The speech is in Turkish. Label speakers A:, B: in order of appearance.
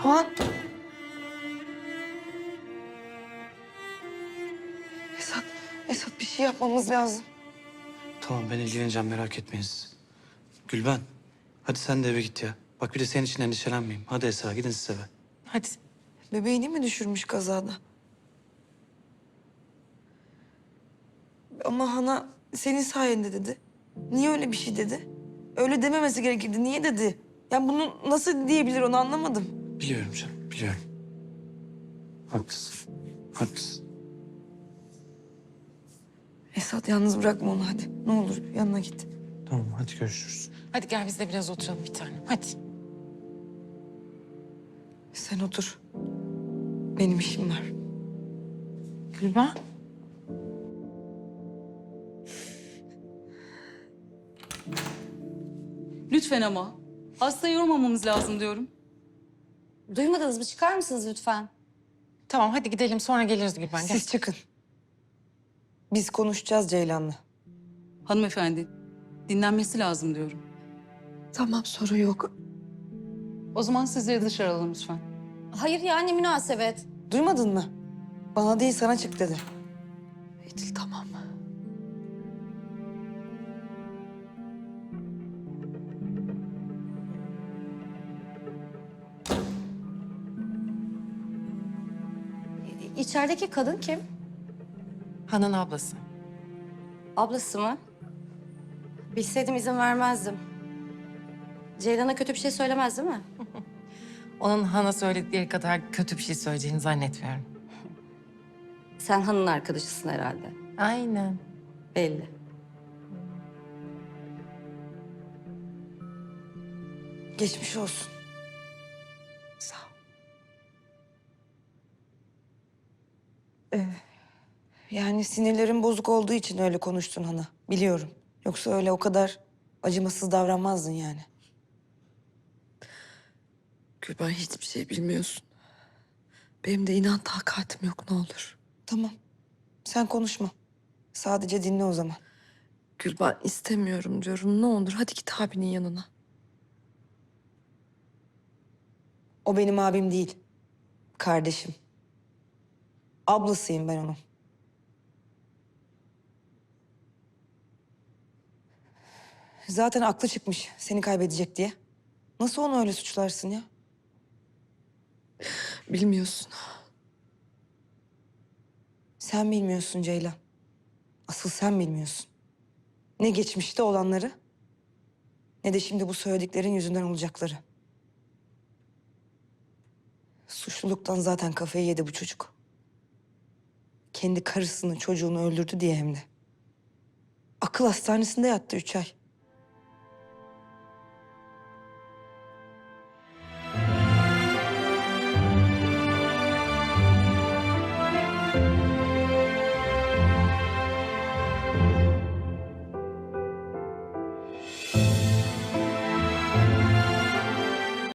A: Han. Esat bir şey yapmamız lazım.
B: Tamam ben ilgileneceğim merak etmeyin siz. Gülben hadi sen de eve git ya. Bak bir de senin için endişelenmeyeyim. Hadi Esra gidin siz eve.
A: Hadi. Bebeğini mi düşürmüş kazada? Ama Hana senin sayende dedi. Niye öyle bir şey dedi? Öyle dememesi gerekirdi. Niye dedi? Yani bunu nasıl diyebilir onu anlamadım.
B: Biliyorum canım biliyorum. Haklısın. Haklısın.
A: Esat yalnız bırakma onu hadi. Ne olur yanına git.
B: Tamam hadi görüşürüz.
C: Hadi gel biz de biraz oturalım bir tanem. Hadi.
A: Sen otur. Benim işim var.
C: Gülben.
D: Lütfen ama. Hastayı yormamamız lazım diyorum.
E: Duymadınız mı? Çıkar mısınız lütfen?
C: Tamam hadi gidelim sonra geliriz Gülben. Gel.
A: Siz çıkın. Biz konuşacağız Ceylan'la.
D: Hanımefendi, dinlenmesi lazım diyorum.
A: Tamam sorun yok.
D: O zaman sizleri dışarı alalım lütfen.
E: Hayır yani münasebet.
A: Duymadın mı? Bana değil sana çık dedi. Edil tamam.
E: İçerideki kadın kim?
C: Han'ın ablası.
E: Ablası mı? Bilseydim izin vermezdim. Ceylan'a kötü bir şey söylemez değil mi?
C: Onun Han'a söyledikleri kadar kötü bir şey söyleyeceğini zannetmiyorum.
E: Sen Han'ın arkadaşısın herhalde.
C: Aynen.
E: Belli.
A: Geçmiş olsun. Sağ ol. Yani sinirlerin bozuk olduğu için öyle konuştun Hana. Biliyorum. Yoksa öyle o kadar acımasız davranmazdın yani.
F: Gülben hiçbir şey bilmiyorsun. Benim de inan takatim yok ne olur.
A: Tamam. Sen konuşma. Sadece dinle o zaman.
F: Gülben istemiyorum diyorum ne olur hadi git abinin yanına.
A: O benim abim değil. Kardeşim. Ablasıyım ben onun. Zaten aklı çıkmış seni kaybedecek diye. Nasıl onu öyle suçlarsın ya?
F: Bilmiyorsun.
A: Sen bilmiyorsun Ceylan. Asıl sen bilmiyorsun. Ne geçmişte olanları, ne de şimdi bu söylediklerin yüzünden olacakları. Suçluluktan zaten kafayı yedi bu çocuk. Kendi karısını, çocuğunu öldürdü diye hem de. Akıl hastanesinde yattı 3 ay.